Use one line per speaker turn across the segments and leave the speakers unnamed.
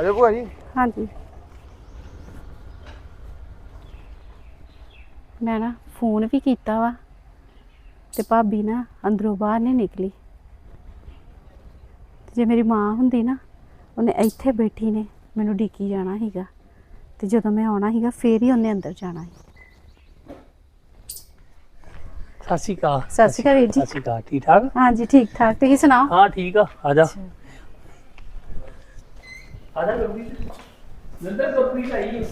ਆਜੋ ਭੂਆ ਜੀ।
ਹਾਂਜੀ ਮੈਂ ਨਾ ਫੋਨ ਵੀ ਕੀਤਾ ਵਾ ਤੇ ਭਾਬੀ ਨਾ ਅੰਦਰੋਂ ਬਾਹਰ ਨਹੀਂ ਨਿਕਲੀ। ਜੇ ਮੇਰੀ ਮਾਂ ਹੁੰਦੀ ਨਾ ਉਹਨੇ ਇੱਥੇ ਬੈਠੀ ਨੇ ਮੈਨੂੰ ਡੀਕੀ ਜਾਣਾ ਸੀਗਾ ਤੇ ਜਦੋਂ ਮੈਂ ਆਉਣਾ ਸੀਗਾ ਫੇਰ ਹੀ ਉਹਨੇ ਅੰਦਰ ਜਾਣਾ ਸੀ।
ਸਤਿ ਸ਼੍ਰੀ ਅਕਾਲ।
ਸਤਿ ਸ਼੍ਰੀ ਅਕਾਲ ਵੀਰ ਜੀ।
ਸਤਿ ਸ਼੍ਰੀ ਅਕਾਲ। ਠੀਕ ਠਾਕ?
ਹਾਂਜੀ ਠੀਕ ਠਾਕ, ਤੁਸੀਂ ਸੁਣਾਓ?
ਹਾਂ ਠੀਕ ਆ। ਆ ਜਾ ਆ ਜਾ ਗੱਡੀ ਨੰਦਰ ਟੋਕਰੀ ਚਾਹੀਏ।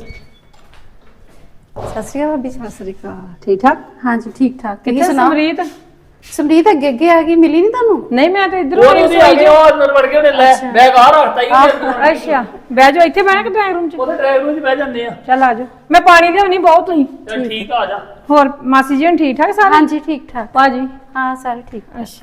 ਸਤਿ ਸ਼੍ਰੀ ਅਕਾਲ ਭਾਬੀ।
ਸਤਿ ਸ੍ਰੀ ਅਕਾਲ। ਠੀਕ ਠਾਕ?
ਹਾਂਜੀ ਠੀਕ ਠਾਕ, ਤੁਸੀਂ
ਕਿੱਥੇ
ਸੁਣਾਓ?
ਸਮਰੀਤ?
ਸਮਰੀਤ ਅੱਗੇ ਅੱਗੇ ਆ ਗਈ, ਮਿਲੀ ਨਹੀਂ ਤੁਹਾਨੂੰ?
ਨਹੀਂ ਮੈਂ ਤਾਂ ਇੱਧਰ
ਉਹ
ਆਈ
ਉਹਦੇ ਆ ਗਏ, ਉਹ ਅੰਦਰ ਵੜ ਕੇ ਉਹਨੇ ਲੈ ਬੈਗ ਆ ਰੱਖਤਾ ਹੀ।
ਅੱਛਾ ਬਹਿ ਜਾਓ, ਇੱਥੇ ਬਹਿਣਾ ਕਿ ਡਰਾਈਵ ਰੂਮ 'ਚ?
ਉਹਦੇ ਡਰਾਈਵਰ ਰੂਮ 'ਚ ਬਹਿ ਜਾਂਦੇ ਆ।
ਚੱਲ ਆ ਜਾਓ, ਮੈਂ ਪਾਣੀ ਲਿਆਉਣੀ ਬਹੁਤ ਤੁਸੀਂ।
ਚੱਲ ਠੀਕ ਆ ਜਾ।
ਹੋਰ ਮਾਸੀ ਜੀ ਹੁਣ ਠੀਕ ਠਾਕ ਸਾਰੇ?
ਹਾਂਜੀ ਠੀਕ ਠਾਕ
ਭਾਜੀ?
ਹਾਂ ਸਾਰੇ ਠੀਕ।
ਅੱਛਾ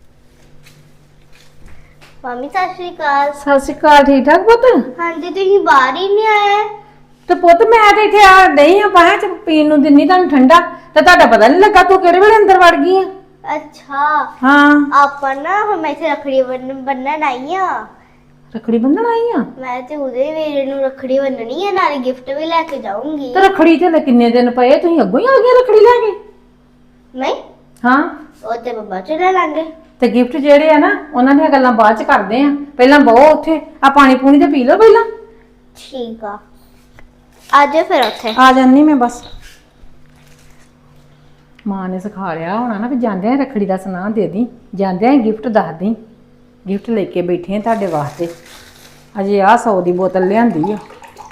ਮੰਮੀ ਸਤਿ ਸ਼੍ਰੀ ਅਕਾਲ।
ਸਤਿ ਸ੍ਰੀ ਅਕਾਲ। ਠੀਕ ਠਾਕ ਪੁੱਤ?
ਹਾਂਜੀ ਤੁਸੀਂ ਬਾਹਰ ਹੀ ਨਹੀਂ ਆਏ।
ਤੇ ਪੁੱਤ ਮੈਂ ਤੇ ਇੱਥੇ ਆ ਨਹੀਂ ਆ ਪਾਇਆ ਚ ਪੀਣ ਨੂੰ ਦਿੰਨੀ ਤੁਹਾਨੂੰ ਠੰਡਾ, ਤੇ ਤੁਹਾਡਾ ਪਤਾ ਨਹੀਂ ਲੱਗਾ ਤੂੰ ਕਿਹੜੇ ਵੇਲੇ ਅੰਦਰ ਵੜ ਗਈ ਆ।
ਅੱਛਾ
ਹਾਂ
ਆਪਾਂ ਨਾ ਹੁਣ ਇੱਥੇ ਰੱਖੜੀ ਬੰਨਣ ਆਈ ਆ।
ਰੱਖੜੀ ਬੰਨਣ ਆਈ ਆ?
ਮੈਂ ਤੇ ਉਹਦੇ ਵੀਰੇ ਨੂੰ ਰੱਖੜੀ ਬੰਨਣੀ ਆ, ਨਾਲੇ ਗਿਫਟ ਵੀ ਲੈ ਕੇ ਜਾਊਂਗੀ।
ਤੇ ਰੱਖੜੀ ਤੇ ਕਿੰਨੇ ਦਿਨ ਪਏ, ਤੁਸੀਂ ਅੱਗੋਂ ਹੀ ਆ ਗਏ ਰੱਖੜੀ ਲੈ ਕੇ?
ਨਹੀਂ
ਹਾਂ
ਉਹ ਤੇ ਬੱਬਾ ਚ ਲੈ ਲਾਂਗੇ।
ਤੇ ਗਿਫਟ ਜਿਹੜੇ ਆ ਨਾ ਉਹਨਾਂ ਦੀਆਂ ਗੱਲਾਂ ਬਾਅਦ ਚ ਕਰਦੇ ਆ, ਪਹਿਲਾਂ ਬਹੁ ਉੱਥੇ ਆ ਪਾਣੀ ਪੂਣੀ ਤੇ ਪੀ ਲਓ ਪਹਿਲਾਂ।
ਠੀਕ ਆ, ਆਜੋ ਫਿਰ ਉੱਥੇ।
ਆ ਜਾਨੀ ਮੈਂ ਬਸ। ਮਾਂ ਨੇ ਸਿਖਾ ਲਿਆ ਹੋਣਾ ਨਾ ਵੀ ਜਾਂਦਿਆਂ ਰੱਖੜੀ ਦਾ ਸੁਨਾਹ ਦੇ ਦੀ, ਜਾਂਦਿਆਂ ਗਿਫਟ ਦੱਸ ਦੀ। ਗਿਫਟ ਲੈ ਕੇ ਬੈਠੇ ਆ ਤੁਹਾਡੇ ਵਾਸਤੇ। ਅਜੇ ਆਹ 100 ਦੀ ਬੋਤਲ ਲਿਆਂਦੀ ਆ।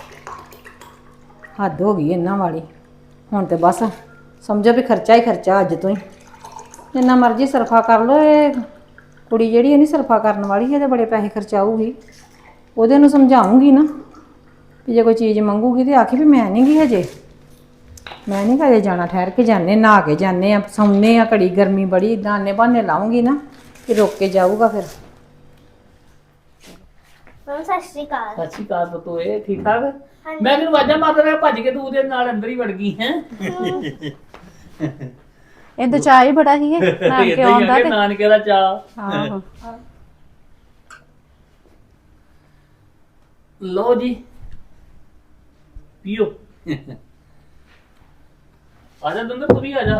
ਹੱਦ ਹੋ ਗਈ ਇਹਨਾਂ ਵਾਲੀ। ਹੁਣ ਤੇ ਬਸ ਸਮਝੋ ਵੀ ਖਰਚਾ ਹੀ ਖਰਚਾ ਅੱਜ ਤੋਂ ਹੀ। ਜਿੰਨਾ ਮਰਜ਼ੀ ਸਰਫਾ ਕਰ ਲੋ, ਇਹ ਕੁੜੀ ਜਿਹੜੀ ਇਹ ਨਹੀਂ ਸਰਫਾ ਕਰਨ ਵਾਲੀ, ਇਹਦੇ ਬੜੇ ਪੈਸੇ ਖਰਚਾਊਗੀ। ਉਹਦੇ ਨੂੰ ਸਮਝਾਉਂਗੀ ਨਾ ਵੀ ਜੇ ਕੋਈ ਚੀਜ਼ ਮੰਗੂਗੀ ਤੇ ਆਖੀ ਵੀ ਮੈਂ ਨਹੀਂ ਗਈ ਹਜੇ, ਮੈਂ ਨਹੀਂ ਕਦੇ ਜਾਣਾ, ਠਹਿਰ ਕੇ ਜਾਂਦੇ, ਨਹਾ ਕੇ ਜਾਂਦੇ ਆ, ਸੌਂਦੇ ਆ, ਘੜੀ ਗਰਮੀ ਬੜੀ, ਇਦਾਂ ਆਨੇ ਬਹਾਨੇ ਲਾਉਂਗੀ ਨਾ ਕਿ ਰੁਕ ਕੇ ਜਾਊਗਾ ਫਿਰ।
ਮੰਮੀ ਸਤਿ ਸ਼੍ਰੀ ਅਕਾਲ।
ਸਤਿ ਸ਼੍ਰੀ ਅਕਾਲ ਪੁੱਤ। ਇਹ ਠੀਕ ਠਾਕ? ਮੈਂ ਕਿਹਨੂੰ ਆਵਾਜ਼ਾਂ ਮਾਰਦਾ ਰਿਹਾ, ਭੱਜ ਕੇ ਤੂੰ ਉਹਦੇ ਨਾਲ ਅੰਦਰ ਹੀ ਵੜ ਗਈ ਹੈ।
ਇਹ ਦਚਾ ਹੀ ਬੜਾ ਹੀ ਹੈ ਨਾਨਕੇ ਆਉਂਦਾ ਤੇ।
ਨਾਨਕੇ ਦਾ ਚਾਅ।
ਆਹੋ
ਲਓ ਜੀ ਪੀਓ। ਆ ਜਾ ਦੰਦਰ, ਤੂੰ ਵੀ ਆ ਜਾ।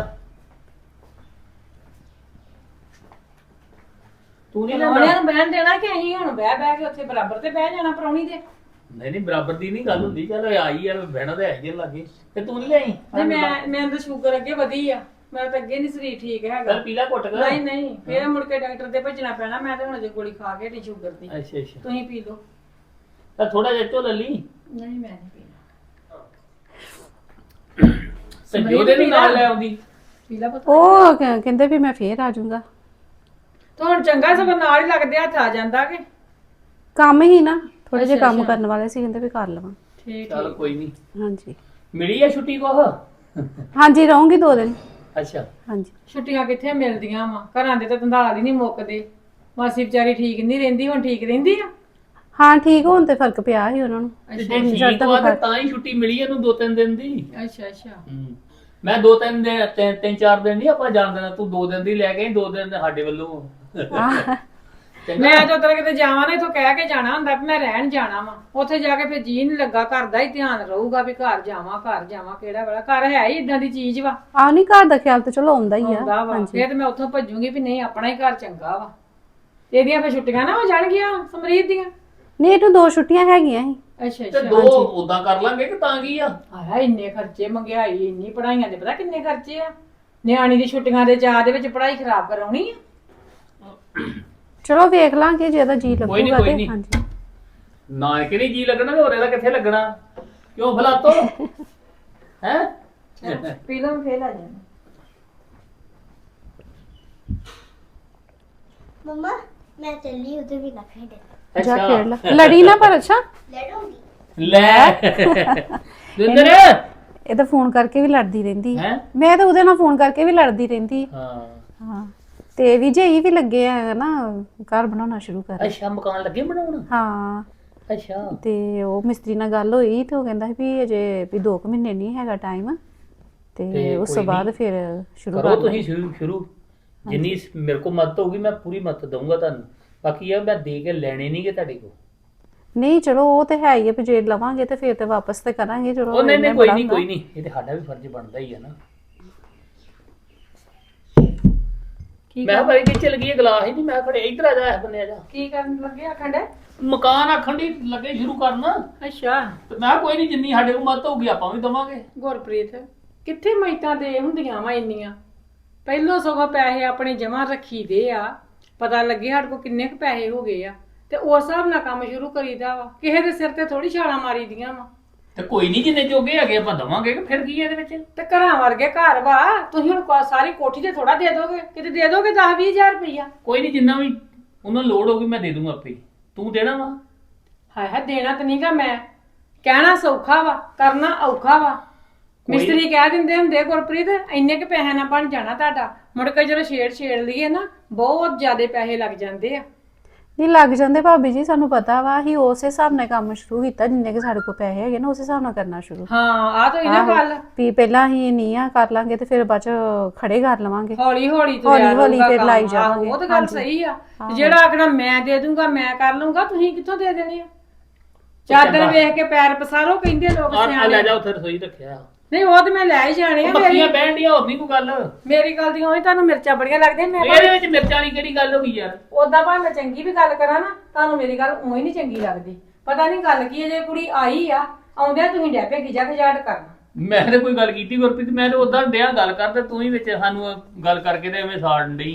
ਤੂੰ ਨਹੀਂ ਲੈਂਦਾ?
ਉਹਨਾਂ ਨੂੰ ਬਹਿਣ ਦੇਣਾ ਕਿ ਅਸੀਂ ਹੁਣ ਬਹਿ ਬਹਿ ਕੇ ਉੱਥੇ ਬਰਾਬਰ ਤੇ ਬਹਿ ਜਾਣਾ ਪਰੌਣੀ ਦੇ?
ਨਹੀਂ ਬਰਾਬਰ ਦੀ ਨਹੀਂ ਗੱਲ ਹੁੰਦੀ। ਚੱਲ ਆਈ ਯਾਰ, ਬਹਿਣਾ ਤੇ ਆਈ ਲੱਗੇ। ਤੇ ਤੂੰ ਨਹੀਂ ਲਿਆਈ?
ਨਹੀਂ ਮੈਂ ਤਾਂ ਸ਼ੂਗਰ ਅੱਗੇ ਵਧੀ ਆ, ਮੈਂ ਤਾਂ ਅੱਗੇ ਨਹੀਂ ਸਰੀਰ ਠੀਕ ਹੈਗਾ।
ਚੱਲ ਪੀਲਾ ਘੁੱਟ ਕੇ।
ਨਹੀਂ ਫੇਰ ਮੁੜ ਕੇ ਡਾਕਟਰ ਦੇ ਭੱਜਣਾ ਪੈਣਾ। ਮੈਂ ਤਾਂ ਹੁਣ ਅਜੇ ਗੋਲੀ ਖਾ ਕੇ ਟੀ ਸ਼ੂਗਰ ਦੀ।
ਅੱਛਾ
ਤੁਸੀਂ ਪੀ ਲਓ।
ਤਾਂ ਥੋੜਾ ਜਿਹਾ ਝੋਲ ਲਈ।
ਨਹੀਂ ਮੈਂ ਨਹੀਂ ਪੀਣਾ।
ਤੇ ਜੋਦੇ ਨੂੰ ਨਾਲ ਲੈ ਆਉਂਦੀ।
ਪੀ ਲਾ ਪੁੱਤ।
ਉਹ ਕਹਿੰਦੇ ਵੀ ਮੈਂ ਫੇਰ ਆ ਜਾਊਂਗਾ।
ਤਾਂ ਹੁਣ ਚੰਗਾ ਸਗੋਂ ਨਾਲ ਹੀ ਲੱਗਦੇ ਹੱਥ ਆ ਜਾਂਦਾ ਕਿ
ਕੰਮ ਹੀ ਨਾ, ਥੋੜੇ ਜਿਹੇ ਕੰਮ ਕਰਨ ਵਾਲੇ ਸੀ, ਕਹਿੰਦੇ ਵੀ ਕਰ ਲਵਾਂ।
ਠੀਕ
ਚੱਲ ਕੋਈ ਨਹੀਂ।
ਹਾਂਜੀ
ਮਿਲੀ ਆ ਛੁੱਟੀ ਕੋਹ?
ਹਾਂਜੀ ਰਹੂੰਗੀ 2 ਦਿਨ।
ਅੱਛਾ
ਹਾਂਜੀ
ਛੁੱਟੀਆਂ ਕਿੱਥੇ ਮਿਲਦੀਆਂ ਵਾ, ਘਰਾਂ ਦੇ ਤਾਂ ਧੰਦਾਲ ਹੀ ਨਹੀਂ ਮੁੱਕਦੇ। ਮਾਸੀ ਵਿਚਾਰੀ ਠੀਕ ਨਹੀਂ ਰਹਿੰਦੀ, ਹੁਣ ਠੀਕ ਰਹਿੰਦੀ ਆ?
ਹਾਂ ਠੀਕ ਹੋਣ ਤੇ ਫਰਕ ਪਿਆ ਸੀ ਉਹਨਾਂ ਨੂੰ।
ਤੇ ਜੇ ਠੀਕ ਵਾ ਤੇ ਤਾਂ ਹੀ ਛੁੱਟੀ ਮਿਲੀ ਇਹਨੂੰ 2-3 ਦਿਨ ਦੀ।
ਅੱਛਾ
ਮੈਂ 2-3 ਦਿਨ 3-4 ਦਿਨ ਨਹੀਂ ਆਪਾਂ ਜਾਣ ਦੇਣਾ। ਤੂੰ 2 ਦਿਨ ਦੀ ਲੈ ਕੇ 2 ਦਿਨ ਸਾਡੇ ਵੱਲੋਂ।
ਮੈਂ ਜਦੋਂ ਤੱਕ ਕਿਤੇ ਜਾਵਾਂ ਨਾ, ਇਥੋਂ ਕਹਿ ਕੇ ਜਾਣਾ ਹੁੰਦਾ ਵੀ ਮੈਂ ਰਹਿਣ ਜਾਣਾ ਵਾ। ਉੱਥੇ ਜਾ ਕੇ ਫਿਰ ਜੀ ਨਹੀਂ ਲੱਗਾ, ਘਰ ਦਾ ਹੀ ਧਿਆਨ ਰਹੂਗਾ ਵੀ ਘਰ ਜਾਵਾਂ ਕਿਹੜਾ ਵੇਲਾ। ਘਰ ਹੈ ਹੀ ਇਦਾਂ ਦੀ ਚੀਜ਼ ਵਾ।
ਆ ਨਹੀਂ ਘਰ ਦਾ ਖਿਆਲ ਤਾਂ ਚਲੋ ਆਉਂਦਾ ਹੀ ਆ।
ਫਿਰ ਤੇ ਮੈਂ ਉੱਥੋਂ ਭੱਜੂਗੀ ਵੀ ਨਹੀਂ ਆਪਣਾ ਹੀ ਘਰ ਚੰਗਾ ਵਾ। ਇਹਦੀਆਂ ਫਿਰ ਛੁੱਟੀਆਂ ਨਾ ਹੋ ਜਾਣਗੀਆਂ ਸਮਰੀਤ ਦੀਆਂ।
ਨਹੀਂ ਇਹਨੂੰ 2 ਛੁੱਟੀਆਂ ਹੈਗੀਆਂ ਸੀ।
ਅੱਛਾ
ਤੇ 2 ਉਦਾਂ ਕਰ ਲਾਂਗੇ ਕਿ ਤਾਂ ਕੀ ਆ?
ਆਇਆ ਇੰਨੇ ਖਰਚੇ, ਮਹਿੰਗਾਈ ਇੰਨੀ, ਪੜਾਈਆਂ ਦੇ ਪਤਾ ਕਿੰਨੇ ਖਰਚੇ ਆ। ਨਿਆਣੀ ਦੀ ਛੁੱਟੀਆਂ ਦੇ ਚਾਅ ਦੇ ਵਿੱਚ ਪੜਾਈ ਖਰਾਬ ਕਰਾਉਣੀ ਆ।
ਚਲੋ ਵੇਖ ਲਾਂਗੇ ਜੇ ਇਹਦਾ ਜੀ ਲੱਗੂਗਾ
ਕੋਈ
ਤੇ।
ਨਹੀਂ।
ਹਾਂਜੀ
ਨਾ ਕਿ ਨਹੀਂ ਜੀ ਲੱਗਣਾ ਤੇ ਹੋਰ ਇਹਦਾ ਕਿੱਥੇ ਲੱਗਣਾ? ਕਿਉਂ ਫਲਾਤੋ ਹੈ?
ਪੀ ਲਓ ਫੇਰ ਆ ਜਾਣਾ।
ਮੰਮਾ ਮੈਂ ਚੱਲੀ ਉਹਦੇ ਵੀ ਨਾ ਖੇਡੇ।
ਜਾ ਖੇਡ ਲੈ, ਲੜੀ ਨਾ ਪਰ। ਅੱਛਾ
ਲੜੂੰਗੀ।
ਲੈ ਦਿੰਦਰ
ਇਹ ਤਾਂ ਫੋਨ ਕਰਕੇ ਵੀ ਲੜਦੀ ਰਹਿੰਦੀ
ਹੈ।
ਮੈਂ ਤਾਂ ਉਹਦੇ ਨਾਲ ਫੋਨ ਕਰਕੇ ਵੀ ਲੜਦੀ ਰਹਿੰਦੀ।
ਹਾਂ
ਹਾਂ ਤੇ ਵਿਜੇ ਵੀ ਲੱਗੇ ਆ ਨਾ ਘਰ ਬਣਾਉਣਾ ਸ਼ੁਰੂ ਕਰ।
ਅੱਛਾ ਮਕਾਨ ਲੱਗੇ ਬਣਾਉਣ?
ਹਾਂ
ਅੱਛਾ
ਤੇ ਉਹ ਮਿਸਤਰੀ ਨਾਲ ਗੱਲ ਹੋਈ ਤੇ ਉਹ ਕਹਿੰਦਾ ਵੀ ਅਜੇ ਵੀ 2 ਮਹੀਨੇ ਨਹੀਂ ਹੈਗਾ ਟਾਈਮ, ਤੇ ਉਸ ਤੋਂ ਬਾਅਦ ਫਿਰ ਸ਼ੁਰੂ
ਕਰੋ
ਕਰ
ਤੁਸੀਂ ਸ਼ੁਰੂ। ਜਿੰਨੀ ਮੇਰੇ ਕੋਲ ਮਦਦ ਹੋਊਗੀ ਮੈਂ ਪੂਰੀ ਮਦਦ ਦਊਂਗਾ ਤੁਹਾਨੂੰ। ਬਾਕੀ ਇਹ ਮੈਂ ਦੇ ਕੇ ਲੈਣੇ ਨਹੀਂਗੇ ਤੁਹਾਡੇ ਕੋਲ।
ਨਹੀਂ ਚਲੋ ਉਹ ਤੇ ਹੈ ਹੀ ਆ, ਵੀ ਜੇ ਲਵਾਂਗੇ ਤੇ ਫਿਰ ਤੇ ਵਾਪਸ ਤੇ ਕਰਾਂਗੇ। ਚਲੋ
ਉਹ ਨਹੀਂ
ਇੰਨਾ
ਨਹੀਂ ਕੋਈ
ਬੜਾ
ਨਹੀਂ
ਹੁੰਦਾ।
ਕੋਈ ਨਹੀਂ, ਇਹ ਤੇ ਸਾਡਾ ਵੀ ਫਰਜ਼ ਬਣਦਾ ਹੀ ਆ ਨਾ।
ਕੀ
ਮੈਂ ਭਾਈ ਕਿ ਚਲ ਗਈ ਗਲਾਸ ਹੀ ਨਹੀਂ, ਮੈਂ ਖੜੇ ਇੱਧਰ ਆ ਜਾ, ਇਸ ਬੰਨੇ ਆ ਜਾ।
ਕੀ ਕਰਨ ਲੱਗੇ ਆਖਣ ਡੇ?
ਮਕਾਨ ਆਖਣ ਦੀ ਲੱਗੇ ਸ਼ੁਰੂ ਕਰਨ,
ਅੱਛਾ
ਤੇ ਮੈਂ ਕੋਈ ਨਹੀਂ, ਜਿੰਨੀ ਸਾਡੇ ਕੋਲ ਮਦਦ ਹੋਊਗੀ ਆਪਾਂ ਵੀ ਦਵਾਂਗੇ।
ਗੁਰਪ੍ਰੀਤ ਕਿੱਥੇ ਮੈਤਾਂ ਦੇ ਹੁੰਦੀਆਂ ਵਾ ਇੰਨੀਆਂ, ਪਹਿਲੋਂ ਸਗੋਂ ਪੈਸੇ ਆਪਣੇ ਜਮਾ ਰੱਖੀ ਦੇ ਆ, ਪਤਾ ਲੱਗੇ ਸਾਡੇ ਕੋਲ ਕਿੰਨੇ ਕੁ ਪੈਸੇ ਹੋ ਗਏ ਆ, ਤੇ ਉਸ ਹਿਸਾਬ ਨਾਲ ਕੰਮ ਸ਼ੁਰੂ ਕਰੀਦਾ ਵਾ। ਕਿਸੇ ਦੇ ਸਿਰ ਤੇ ਥੋੜੀ ਛਾਲਾਂ ਮਾਰੀ ਦੀਆਂ ਵਾ।
ਤੇ ਕੋਈ ਨਹੀਂ, ਜਿੰਨੇ ਜੋਗੇ ਹੈਗੇ ਆਪਾਂ ਦਵਾਂਗੇ, ਕਿ ਫਿਰ ਕੀ ਹੈ ਇਹਦੇ ਵਿੱਚ।
ਤੇ ਘਰਾਂ ਵਰਗੇ ਘਰ ਵਾ, ਤੁਸੀਂ ਹੁਣ ਸਾਰੀ ਕੋਠੀ ਤੇ ਥੋੜਾ ਦੇ ਦੋਗੇ, ਕਿਤੇ ਦੇ ਦੋਗੇ 10-20 ਹਜ਼ਾਰ ਰੁਪਈਆ।
ਕੋਈ ਨਹੀਂ, ਜਿੰਨਾ ਵੀ ਉਹਨਾਂ ਲੋੜ ਹੋਊਗੀ ਮੈਂ ਦੇ ਦੂੰਗਾ ਆਪੇ ਹੀ। ਤੂੰ ਦੇਣਾ ਵਾ?
ਹਾਏ ਹਾਏ ਦੇਣਾ ਤਾਂ ਨਹੀਂਗਾ ਮੈਂ, ਕਹਿਣਾ ਸੌਖਾ ਵਾ, ਕਰਨਾ ਔਖਾ ਵਾ। ਮਿਸਤਰੀ ਕਹਿ ਦਿੰਦੇ ਹੁੰਦੇ ਗੁਰਪ੍ਰੀਤ ਇੰਨੇ ਕੁ ਪੈਸੇ ਨਾਲ ਬਣ ਜਾਣਾ ਤੁਹਾਡਾ, ਮੁੜ ਕੇ ਜਦੋਂ ਛੇੜ ਲਈਏ ਨਾ ਬਹੁਤ ਜ਼ਿਆਦੇ ਪੈਸੇ ਲੱਗ ਜਾਂਦੇ ਆ।
ਨਹੀਂ ਲੱਗ ਜਾਂਦੇ ਭਾਬੀ ਜੀ, ਸਾਨੂੰ ਪਤਾ ਵਾ। ਅਸੀਂ ਉਸੇ ਹਿਸਾਬ ਨਾਲ ਕੰਮ ਸ਼ੁਰੂ ਕੀਤਾ, ਜਿੰਨੇ ਕਿ ਸਾਡੇ ਕੋਲ ਪੈਸੇ ਹੈਗੇ ਨਾ ਉਸੇ ਹਿਸਾਬ ਨਾਲ ਕਰਨਾ ਸ਼ੁਰੂ।
ਹਾਂ ਆ ਤਾਂ ਇਹਨਾਂ ਗੱਲ
ਵੀ ਪਹਿਲਾਂ ਅਸੀਂ ਨਹੀਂ ਆ ਕਰ ਲਾਂਗੇ ਤੇ ਫਿਰ ਬਾਅਦ ਚ ਖੜੇ ਕਰ ਲਵਾਂਗੇ।
ਹੌਲੀ ਹੌਲੀ
ਹੌਲੀ ਫਿਰ ਲਾਈ ਜਾਵਾਂਗੇ।
ਉਹ ਤਾਂ ਗੱਲ ਸਹੀ ਆ। ਜਿਹੜਾ ਆਖਣਾ ਮੈਂ ਦੇ ਦੂੰਗਾ ਮੈਂ ਕਰ ਲੂੰਗਾ, ਤੁਸੀਂ ਕਿੱਥੋਂ ਦੇ ਦੇਣੇ ਆ? ਚਾਦਰ ਵੇਖ ਕੇ ਪੈਰ ਪਸਾਰੋ ਕਹਿੰਦੇ ਲੋਕ
ਆ
ਸਿਆਣੇ।
ਲੈ ਜਾ, ਉੱਥੇ ਰਸੋਈ ਰੱਖਿਆ।
ਨਹੀਂ ਉਹ ਤੇ ਮੈਂ ਲੈ ਹੀ ਜਾਣੇ ਆ।
ਮੱਖੀਆਂ ਬਹਿਣ ਦੀਆਂ, ਹੋਰ ਨਹੀਂ ਕੋਈ ਗੱਲ।
ਮੇਰੀ ਗੱਲ ਦੀ ਹੋਈ ਤੁਹਾਨੂੰ ਮਿਰਚਾਂ ਬੜੀਆਂ ਲੱਗਦੀਆਂ। ਮੈਂ
ਇਹਦੇ ਵਿੱਚ ਮਿਰਚਾਂ ਵਾਲੀ ਕਿਹੜੀ ਗੱਲ ਹੋ ਗਈ ਯਾਰ?
ਉਦਾਂ ਭਾਵੇਂ ਮੈਂ ਚੰਗੀ ਵੀ ਗੱਲ ਕਰਾਂ ਨਾ, ਤੁਹਾਨੂੰ ਮੇਰੀ ਗੱਲ ਉਵੇਂ ਨਹੀਂ ਚੰਗੀ ਲੱਗਦੀ। ਪਤਾ ਨਹੀਂ ਗੱਲ ਕੀ ਹੈ, ਜੇ ਕੁੜੀ ਆਈ ਆ ਆਉਂਦਿਆਂ ਤੁਸੀਂ ਡੈਪੇ ਖਿਜਾੜ ਕਰਨਾ।
ਮੈਂ ਤੇ ਕੋਈ ਗੱਲ ਕੀਤੀ ਗੁਰਪ੍ਰੀਤ? ਮੈਂ ਤੇ ਉਦਾਂ ਡਿਆ ਗੱਲ ਕਰਦੇ, ਤੂੰ ਹੀ ਵਿੱਚ ਸਾਨੂੰ ਗੱਲ ਕਰਕੇ ਤੇ ਐਵੇਂ ਸਾੜਨ ਡਈ।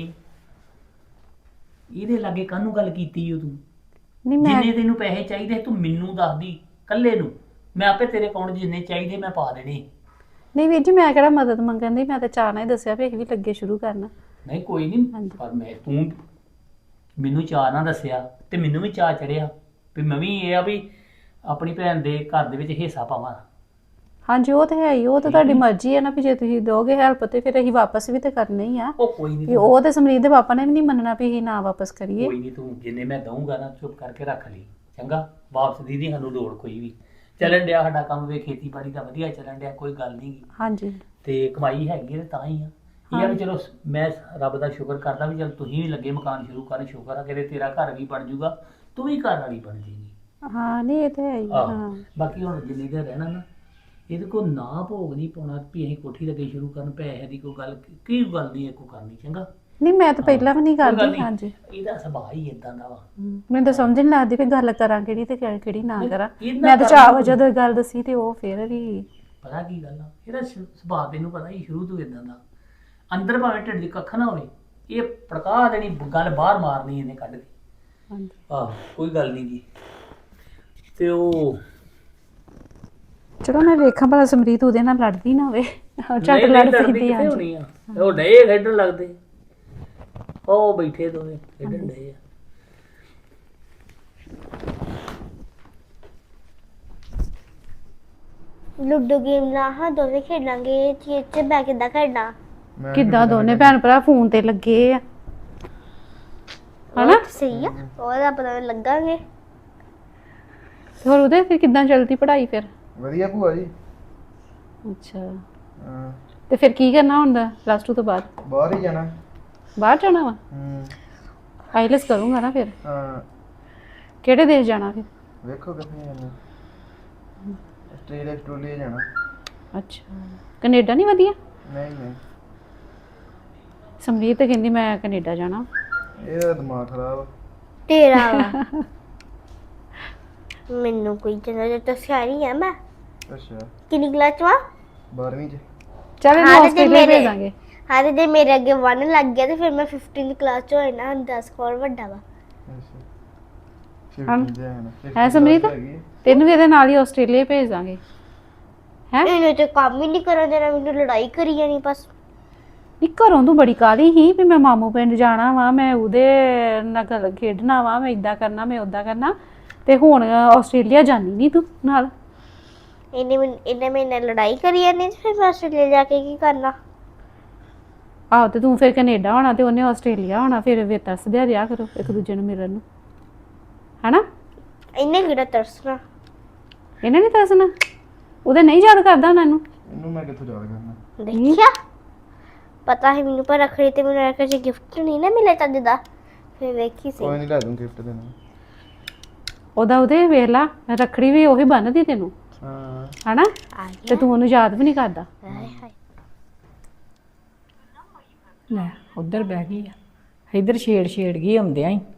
ਇਹਦੇ ਲਾਗੇ ਕਾਹਨੂੰ ਗੱਲ ਕੀਤੀ ਓ ਤੂੰ?
ਨਹੀਂ ਮੈਂ
ਜਿੰਨੇ ਤੈਨੂੰ ਪੈਸੇ ਚਾਹੀਦੇ ਤੂੰ ਮੈਨੂੰ ਦੱਸਦੀ ਕੱਲੇ ਨੂੰ, ਮੈਂ ਆਪੇ ਤੇਰੇ ਅਕਾਊਂਟ 'ਚ ਜਿੰਨੇ ਚਾਹੀਦੇ ਮੈਂ ਪਾ ਦੇਣੇ।
ਨਹੀਂ ਵੀਰ ਜੀ, ਮੈਂ ਕਿਹੜਾ ਮਦਦ ਮੰਗਣ ਦੀ, ਮੈਂ ਤਾਂ ਚਾਹ ਨਾਲ ਹੀ ਦੱਸਿਆ ਵੀ ਅਸੀਂ ਵੀ ਲੱਗੇ ਸ਼ੁਰੂ ਕਰਨਾ।
ਨਹੀਂ ਕੋਈ ਨਹੀਂ, ਪਰ ਤੂੰ ਮੈਨੂੰ ਚਾਅ ਨਾ ਦੱਸਿਆ ਤੇ ਮੈਨੂੰ ਵੀ ਚਾਅ ਚੜਿਆ ਵੀ ਮੈਂ ਵੀ ਇਹ ਆ ਵੀ ਆਪਣੀ ਭੈਣ ਦੇ ਘਰ ਦੇ ਵਿੱਚ ਹਿੱਸਾ ਪਾਵਾਂ।
ਹਾਂਜੀ ਉਹ ਤਾਂ ਹੈ ਹੀ, ਉਹ ਤਾਂ ਤੁਹਾਡੀ ਮਰਜ਼ੀ ਹੈ ਨਾ, ਵੀ ਜੇ ਤੁਸੀਂ ਦੋਗੇ ਹੈਲਪ ਤੇ ਫਿਰ ਅਸੀਂ ਵਾਪਸ ਵੀ ਤੇ ਕਰਨਾ ਹੀ ਆ।
ਉਹ ਕੋਈ ਨਹੀਂ,
ਵੀ ਉਹ ਤੇ ਸਮਰੀਤ ਦੇ ਪਾਪਾ ਨੇ ਵੀ ਨਹੀਂ ਮੰਨਣਾ ਵੀ ਅਸੀਂ ਨਾ ਵਾਪਸ ਕਰੀਏ।
ਕੋਈ ਨਹੀਂ, ਤੂੰ ਜਿੰਨੇ ਮੈਂ ਦਊਂਗਾ ਨਾ ਚੁੱਪ ਕਰਕੇ ਰੱਖ ਲਈ, ਚੰਗਾ? ਵਾਪਸ ਦੀ ਨਹੀਂ ਸਾਨੂੰ ਲੋੜ ਕੋਈ ਵੀ। ਚੱਲਣ ਡਿਆ ਸਾਡਾ ਕੰਮ ਵੇ, ਖੇਤੀਬਾੜੀ ਦਾ ਵਧੀਆ ਚੱਲਣ ਡਿਆ, ਕੋਈ ਗੱਲ ਨਹੀਂ।
ਹਾਂਜੀ
ਤੇ ਕਮਾਈ ਹੈਗੀ ਹੈ ਤਾਂ ਹੀ ਆ। ਇਹ ਆ ਵੀ ਚਲੋ ਮੈਂ ਰੱਬ ਦਾ ਸ਼ੁਕਰ ਕਰਦਾ ਵੀ ਚਲ ਤੁਸੀਂ ਵੀ ਲੱਗੇ ਮਕਾਨ ਸ਼ੁਰੂ ਕਰਨ, ਸ਼ੁਕਰ ਆ ਕਿਤੇ ਤੇਰਾ ਘਰ ਵੀ ਬਣ ਜਾਊਗਾ, ਤੂੰ ਵੀ ਘਰ ਵਾਲੀ ਬਣ ਜਾਏਗੀ।
ਹਾਂ ਨਹੀਂ ਇਹ ਤਾਂ ਹੈ ਹੀ। ਹਾਂ
ਬਾਕੀ ਹੁਣ ਜਿੰਨੀ ਦੇਰ ਰਹਿਣਾ ਨਾ, ਇਹਦੇ ਕੋਲ ਨਾ ਭੋਗ ਨਹੀਂ ਪਾਉਣਾ ਵੀ ਅਸੀਂ ਕੋਠੀ ਲੱਗੇ ਸ਼ੁਰੂ ਕਰਨ, ਪੈਸੇ ਦੀ ਕੋਈ ਗੱਲ ਕੀ ਗੱਲ ਨਹੀਂ ਕੋ ਕਰਨੀ, ਚੰਗਾ?
ਨਹੀਂ ਮੈਂ ਤਾਂ ਪਹਿਲਾਂ ਵੀ ਨਹੀਂ
ਕੋਈ ਗੱਲ
ਕਰਦੀ।
ਨੀ,
ਹਾਂਜੀ
ਇਹਦਾ ਸੁਭਾਅ ਹੀ ਇਦਾਂ ਦਾ ਵਾ।
ਮੈਨੂੰ ਤਾਂ ਸਮਝ ਨਹੀਂ ਲੱਗਦੀ ਵੀ ਗੱਲ ਕਰਾਂ ਕਿਹੜੀ ਤੇ ਕਿਹੜੀ ਨਾ ਕਰਾਂ।
ਇਹਦਾ
ਮੈਂ ਤਾਂ ਚਾਹ ਜਦੋਂ ਗੱਲ ਦੱਸੀ ਤੇ ਉਹ ਫਿਰ ਵੀ
ਪਤਾ ਕੀ ਗੱਲ ਆ, ਇਹਦਾ ਸੁਭਾਅ ਤੈਨੂੰ ਪਤਾ ਹੀ ਸ਼ੁਰੂ ਤੋਂ ਇਦਾਂ ਦਾ। ਅੰਦਰ ਭਾਵੇਂ ਢਿੱਡ 'ਚ ਕੱਖ ਨਾ ਹੋਵੇ, ਇਹ ਭੜਕਾ ਦੇਣੀ ਗੱਲ, ਬਾਹਰ ਮਾਰਨੀ ਇਹਨੇ ਕੱਢ ਕੇ।
ਹਾਂਜੀ
ਆਹ ਕੋਈ ਗੱਲ ਨਹੀਂ ਜੀ। ਤੇ ਉਹ
ਚਲੋ ਮੈਂ ਵੇਖਾਂ ਭਲਾ ਸਮਰੀਤ ਉਹਦੇ ਨਾਲ ਲੜਦੀ ਨਾ ਹੋਵੇ। ਝੱਟ
ਨਹੀਂ
ਲੜ
ਲੜਦੀ
ਪੈਂਦੀ।
ਕਿੱਥੇ
ਹਾਂਜੀ
ਹੋਣੀ ਆ, ਉਹ ਡਏ ਖੇਡਣ ਲੱਗਦੇ, ਉਹ ਬੈਠੇ ਦੋਵੇਂ ਖੇਡਣ ਡਏ ਆ।
ਲੁੱਡੋ ਗੇਮ ਨਾ ਹਾਂ ਦੋਵੇਂ ਖੇਡਾਂਗੇ, ਚੀਜ਼ 'ਚ ਬੈ ਕਿੱਦਾਂ ਖੇਡਣਾ?
ਕਿੱਦਾਂ ਦੋਨੇ ਭੈਣ ਭਰਾ ਫੋਨ ਤੇ ਲੱਗੇ ਆ ਹਨਾ?
ਸਹੀ ਆ, ਉਹਦਾ ਪਤਾ ਲੱਗਾਂਗੇ।
ਤੇ ਹੋਰ ਉਹਦੇ ਫਿਰ ਕਿੱਦਾਂ ਚੱਲਦੀ ਪੜ੍ਹਾਈ ਫਿਰ?
ਵਧੀਆ ਭੂਆ ਜੀ।
ਅੱਛਾ
ਹਾਂ,
ਤੇ ਫਿਰ ਕੀ ਕਰਨਾ ਹੁੰਦਾ ਪਲੱਸ 2 ਤੋਂ ਬਾਅਦ?
ਬਾਹਰ ਹੀ ਜਾਣਾ।
ਬਾਹਰ ਜਾਣਾ ਵਾ?
ਹੂੰ।
ਆਈਲੈਸ ਕਰੂੰਗਾ ਨਾ ਫਿਰ?
ਹਾਂ,
ਕਿਹੜੇ ਦੇਸ਼ ਜਾਣਾ ਫਿਰ?
ਵੇਖੋ ਕਿੱਥੇ ਜਾਣਾ। ਆਸਟ੍ਰੇਲੀਆ ਜਾਣਾ।
ਅੱਛਾ ਕੈਨੇਡਾ ਨਹੀਂ ਵਧੀਆ?
ਨਹੀਂ ਨਹੀਂ,
ਸਮਰੀਤ ਤਾਂ ਕਹਿੰਦੀ ਮੈਂ ਕੈਨੇਡਾ ਜਾਣਾ।
ਇਹਦਾ ਦਿਮਾਗ ਖਰਾਬ ਆ।
ਤੇਰਾ ਵਾ। ਮੈਨੂੰ ਕੋਈ ਜਨਾ ਤਾਂ ਸਿਆਣੀ ਆ ਮੈਂ।
ਅੱਛਾ,
ਕਿੰਨੀ ਕਲਾਸ 'ਚ ਵਾ?
12ਵੀਂ ਚ।
ਚੱਲ ਇਹਨੂੰ
ਹਾਂ ਤੇ
ਆਸਟ੍ਰੇਲੀਆ
ਮੇਰੇ-
ਭੇਜਾਂਗੇ।
ਹਾਂ ਤੇ ਮੇਰੇ ਅੱਗੇ 1 ਲੱਗ ਗਿਆ ਤੇ ਫਿਰ ਮੈਂ 15th ਕਲਾਸ 'ਚ ਹੋਏ ਨਾ, 10 ਕੋਲ ਵੱਡਾ ਵਾ।
ਅੱਛਾ,
ਹਾਂ।
15 ਤੇ ਹੈ
ਹੈ ਸਮਰੀਤ? ਤੈਨੂੰ ਵੀ ਇਹਦੇ ਨਾਲ ਹੀ ਆਸਟ੍ਰੇਲੀਆ ਭੇਜ ਦਾਂਗੇ। ਹੈ
ਇਹਨੇ ਤੇ ਕੰਮ ਹੀ ਨਹੀਂ ਕਰਨ ਦੇਣਾ, ਮੈਨੂੰ ਲੜਾਈ ਕਰੀ ਜਾਣੀ ਬਸ।
ਨਹੀਂ ਘਰੋਂ ਤੂੰ ਬੜੀ ਕਾਹਲੀ ਸੀ ਵੀ ਮੈਂ ਮਾਮੂ ਪਿੰਡ ਜਾਣਾ ਵਾ, ਮੈਂ ਉਹਦੇ ਨਾਲ ਗੱਲ ਖੇਡਣਾ ਵਾ, ਮੈਂ ਇਦਾਂ ਕਰਨਾ ਮੈਂ ਉਦਾਂ ਕਰਨਾ, ਤੇ ਹੁਣ ਆਸਟ੍ਰੇਲੀਆ ਜਾਣੀ ਨਹੀਂ ਤੂੰ ਨਾਲ।
ਇਹਨੇ ਮੇਰੇ ਨਾਲ ਲੜਾਈ ਕਰੀ ਜਾਣੀ ਤੇ ਫਿਰ ਮੈਂ ਆਸਟ੍ਰੇਲੀਆ ਜਾ ਕੇ ਕੀ ਕਰਨਾ?
ਆਹੋ ਤੇ ਤੂੰ ਫਿਰ ਕੈਨੇਡਾ ਹੋਣਾ ਤੇ ਉਹਨੇ ਆਸਟ੍ਰੇਲੀਆ ਹੋਣਾ, ਫਿਰ ਤਰਸਦਿਆ ਰਿਹਾ ਕਰੋ ਇੱਕ ਦੂਜੇ ਨੂੰ ਮਿਲਣ ਨੂੰ, ਹਨਾ?
ਇਹਨੇ ਕਿਹੜਾ ਤਰਸਣਾ?
ਇਹਨੇ ਨਹੀਂ ਤਰਸਣਾ? ਉਹਦੇ ਨਹੀਂ ਯਾਦ ਕਰਦਾ ਉਹਨਾਂ ਨੂੰ?
ਇਹਨੂੰ ਮੈਂ ਕਿੱਥੋਂ ਯਾਦ ਕਰਨਾ।
ਦੇਖਿਆ, ਪਤਾ ਹੈ ਮੈਨੂੰ, ਪਰ ਰੱਖੜੀ ਤੇ ਮੈਨੂੰ ਰੱਖੜੀ 'ਚ ਗਿਫਟ ਨਹੀਂ ਨਾ ਮਿਲਿਆ ਚੱਜ ਦਾ, ਫਿਰ ਵੇਖੀ ਸੀ।
ਕੋਈ ਨਹੀਂ, ਲੈ ਦੂੰ ਗਿਫਟ ਦੇਣਾ।
ਉਹਦੇ ਵੇਖ ਲਾ ਰੱਖੜੀ ਵੀ ਉਹੀ ਬੰਨਦੀ ਤੈਨੂੰ
ਹਾਂ
ਹਨਾ
ਆ
ਤੇ ਤੂੰ ਉਹਨੂੰ ਯਾਦ ਵੀ ਨਹੀਂ ਕਰਦਾ
ਹਾਏ ਹਾਏ
ਲੈ ਉਧਰ ਬਹਿ ਗਈ ਆ ਇਧਰ ਛੇੜ ਗਈ ਆਉਂਦਿਆਂ ਹੀ।